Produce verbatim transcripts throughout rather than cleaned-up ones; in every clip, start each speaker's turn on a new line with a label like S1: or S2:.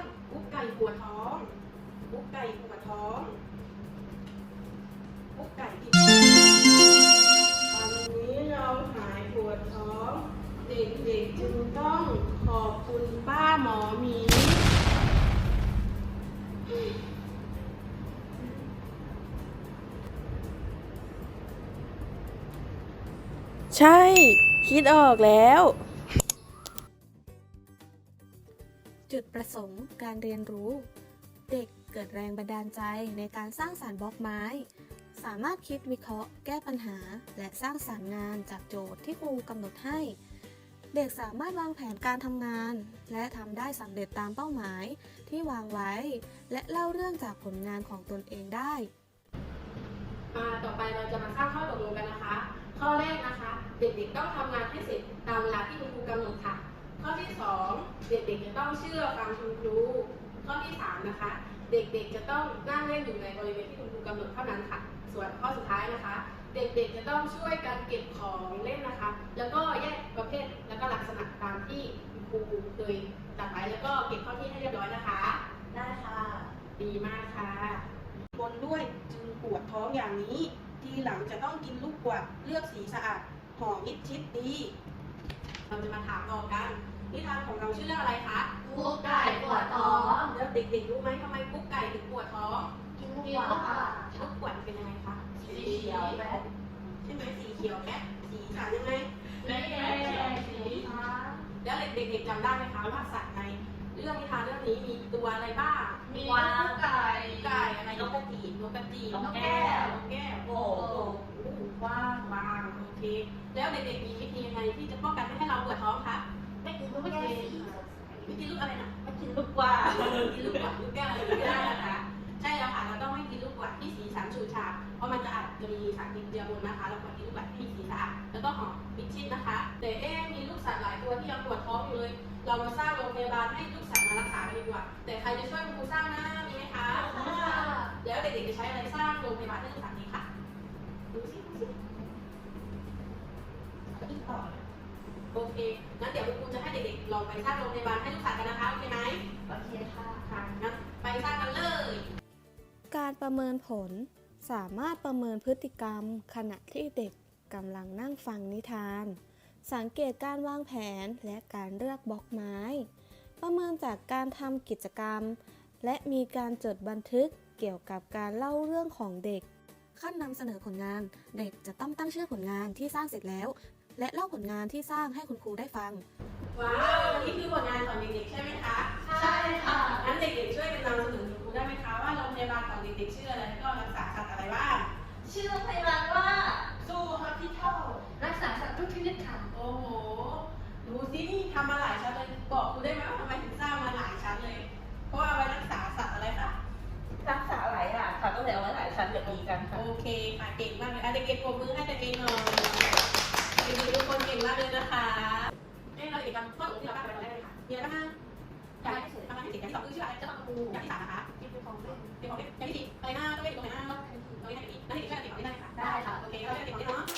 S1: กุ๊กไก่ปวดท้องกุ๊กไก่ปวดท้องกุ๊กไก่กินวันนี้เราหายปวดท้องเด็กๆจึงต้องขอบคุณป้าหมอหมีใช่คิดออกแล้วจุดประสงค์การเรียนรู้เด็กเกิดแรงบันดาลใจในการสร้างสรรค์บล็อกไม้สามารถคิดวิเคราะห์แก้ปัญหาและสร้างสรรค์งานจากโจทย์ที่ครูกำหนดให้เด็กสามารถวางแผนการทำงานและทำได้สำเร็จตามเป้าหมายที่วางไว้และเล่าเรื่องจากผลงานของตนเองได้ต่อไปเราจะมาสร้างข้อตกลงกันนะคะข้อแรกนะคะเด็กๆต้องทำงานให้เสร็จตามเวลาที่คุณครูกำหนดค่ะข้อที่สองเด็กๆจะต้องเชื่อฟังคุณครูข้อที่สามนะคะเด็กๆจะต้องนั่งเล่นอยู่ในบริเวณที่คุณครูกำหนดเท่านั้นค่ะส่วนข้อสุดท้ายนะคะเด็กๆจะต้องช่วยกันเก็บของเล่นนะคะแล้วก็แยกประเภทแล้วก็ลักษณะตามที่คุณครูเคยจัดไว้แล้วก็เก็บเข้าที่ให้เรียบร้อยนะคะได้ค่ะดีมากค่ะบนด้วยจึงปวดท้องอย่างนี้ทีหลังจะต้องกินลูกกวาดเลือกสีสะอาดห่อมิดชิดดีเราจะมาถามต่อกันนิทานของเราชื่อเรื่องอะไรคะ
S2: กุ๊กไก่ปวดท้อง
S1: แล้วเด็กๆรู้ไหมทำไมกุ๊กไก่ถึงปวดท้อง
S2: กินลูกกวาด
S1: ลูกกวาดเป็นยังไงคะ
S2: สีเขียวแบ๊ด
S1: ใช่ไหมสีเขียวแบ๊ดสีสันยังไง
S2: แบ๊ดสีฟ้า
S1: แล้วเด็กๆจำได้ไหมคะว่าสัตว์ในเรื่องนิทานเรื่องนี้มีตัวอะไรบ้าง
S2: มีกุ๊กไก่
S1: ไก่อะไรนกกระจีบนกกระจีบ
S2: นกแก้วน
S1: กแก้ว
S2: โอ่ง
S1: กว้างบางโอเคแล้วเด็กๆมีวิธียังไงที่จะป้องกันไม่ให้เราปวดท้องคะ
S2: ไม่กินลูกแก้วสี
S1: วิธีลูกอะไรนะ
S2: ไม่กินลูกกวาด
S1: กินลูกกวาดลูกแก้วอะไรก็ได้นะคะใช่แล้วค่ะเราต้องไม่กินลูกกวาดที่สีสันฉูดฉาดเพราะมันจะอาจจะมีสารพิษเจือปนนะคะเราควรกินลูกกวาดที่มีสีสะอาดแล้วก็หอมมิดชิดนะคะแต่เอ๊ะมีลูกสัตว์หลายตัวที่ยังปวดท้องอยู่เลยเรามาสร้างโรงพยาบาลให้ลูกสัตว์มารักษากันดีกว่าแต่ใครจะช่วยคุณครูสร้างนะมีไหมคะแล้วเด็กๆจะใช้อะไรสร้างโรงพยาบาลให้ลูกสัตว์นี้ค่ะดูสิดูสิอีกต่อโอเคงั้นเดี๋ยวคุณครูจะให้เด็กๆลองไปสร้างโรงพยาบาลให้ลูกสัตว์กันนะคะโอเคไหม
S2: โอเคค่ะ
S1: ค่ะงั้นไปสร้างกันเลย การประเมินผลสามารถประเมินพฤติกรรมขณะที่เด็กกำลังนั่งฟังนิทาน สังเกตการวางแผนและการเลือกบล็อกไม้ ประเมินจากการทำกิจกรรม และมีการจดบันทึกเกี่ยวกับการเล่าเรื่องของเด็ก ขั้นนำเสนอผลงานเด็กจะต้องตั้งชื่อผลงานที่สร้างเสร็จแล้ว และเล่าผลงานที่สร้างให้คุณครูได้ฟัง ว้าวนี่คือผลงานของเด็กๆใช่ไหมคะ
S2: ใช่ค่ะ
S1: งั้นเด็กๆช่วยกันนำเสนอคุณครูได้ไหมคะว่าโรงพยาบาลของเด็กๆชื่ออะไรแล้วก็รักษาสัตว์อะไรบ้าง
S2: ชื่อโรงพยาบาลว่าซูฮอสพิทอลรักษาสัตว์ทุกชนิดค่ะ
S1: โอ้โหดูสินี่ทำมาหลายชั้นเลยบอกครูได้ไหมว่าทำไมถึงสร้างมาหลายชั้นเลย เพราะว่าเอาไว้รักษาสัตว์อะไรคะ
S2: รักษาหลายอย่างค่ะก็เลยเอาไว้หลายชั้นแบบนี้กันค่ะ
S1: โอเคค่ะเก่งมากเลยอ่ะเด็กๆปรบมือให้ตัวเองหน่อยเด็กๆทุกคนเก่งมากเลยนะคะเอ้เราเด็กกันข้อตกลงที่เราตั้งไว้ตอนแรกเลยค่ะมีอะไรบ้างอย่างที่ทำงานให้เสร็จอย่างที่สองคือชื่ออะไรจะต้องครูอย่างที่สามนะคะเป็นของเล่นเป็นของเล่นอย่างที่สี่อะไรหน้าต้องเล่นตรงไหนหน้าตรงนี้ไหนอีกนั่นเด็กช่วยเด็กของเล่นได้ค่ะได้ค่ะโอเคเราเล่นเด็กของเล่นเนาะ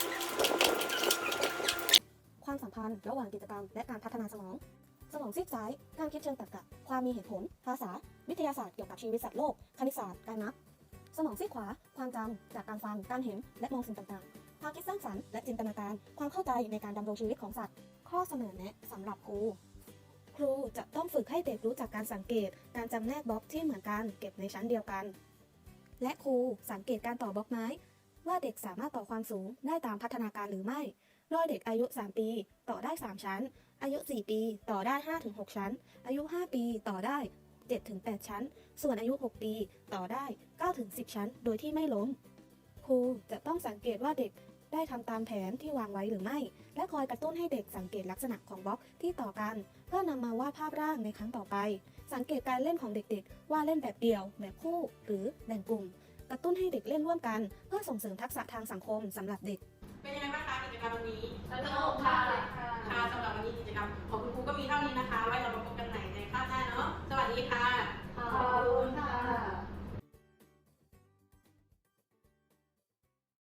S1: ความสัมพันธ์ระหว่างกิจกรรมและการพัฒนาสมอง สมองซีกซ้ายการคิดเชิงตรรกะความมีเหตุผลภาษาวิทยาศาสตร์เกี่ยวกับชีวิตสัตว์โลกคณิตศาสตร์การนับสมองซีกขวาความจำจากการฟังการเห็นและมองสิ่งต่างๆความคิดสร้างสรรค์และจินตนาการความเข้าใจในการดำรงชีวิตของสัตว์ข้อเสนอแนะสำหรับครูครูจะต้องฝึกให้เด็กรู้จักการสังเกตการจำแนกบล็อกที่เหมือนกันเก็บในชั้นเดียวกันและครูสังเกตการต่อบล็อกไม้ว่าเด็กสามารถต่อความสูงได้ตามพัฒนาการหรือไม่โดยเด็กอายุสามปีต่อได้สามชั้นอายุสี่ปีต่อได้ ห้าถึงหก ชั้นอายุห้าปีต่อได้ เจ็ดถึงแปด ชั้นส่วนอายุหกปีต่อได้ เก้าถึงสิบ ชั้นโดยที่ไม่ล้มครูจะต้องสังเกตว่าเด็กได้ทำตามแผนที่วางไว้หรือไม่และคอยกระตุ้นให้เด็กสังเกตลักษณะของบล็อกที่ต่อกันเพื่อนำมาวาดภาพร่างในครั้งต่อไปสังเกตการเล่นของเด็กๆว่าเล่นแบบเดี่ยวแบบคู่หรือแบ่งกลุ่มกระตุ้นให้เด็กเล่นร่วมกันเพื่อส่งเสริมทักษะทางสังคมสำหรับเด็กเป็นยังไงบ้างคะกิจกรรมวันนี้
S2: สนุกค่ะ
S1: ค่ะสำหรับวันนี้กิจกรรมของคุณครูก็มีเท่านี้นะคะไว้เรามาพบกันใหม่ในคาบหน้าเนาะสวัสดีค่ะ
S2: ขอบคุณค่ะ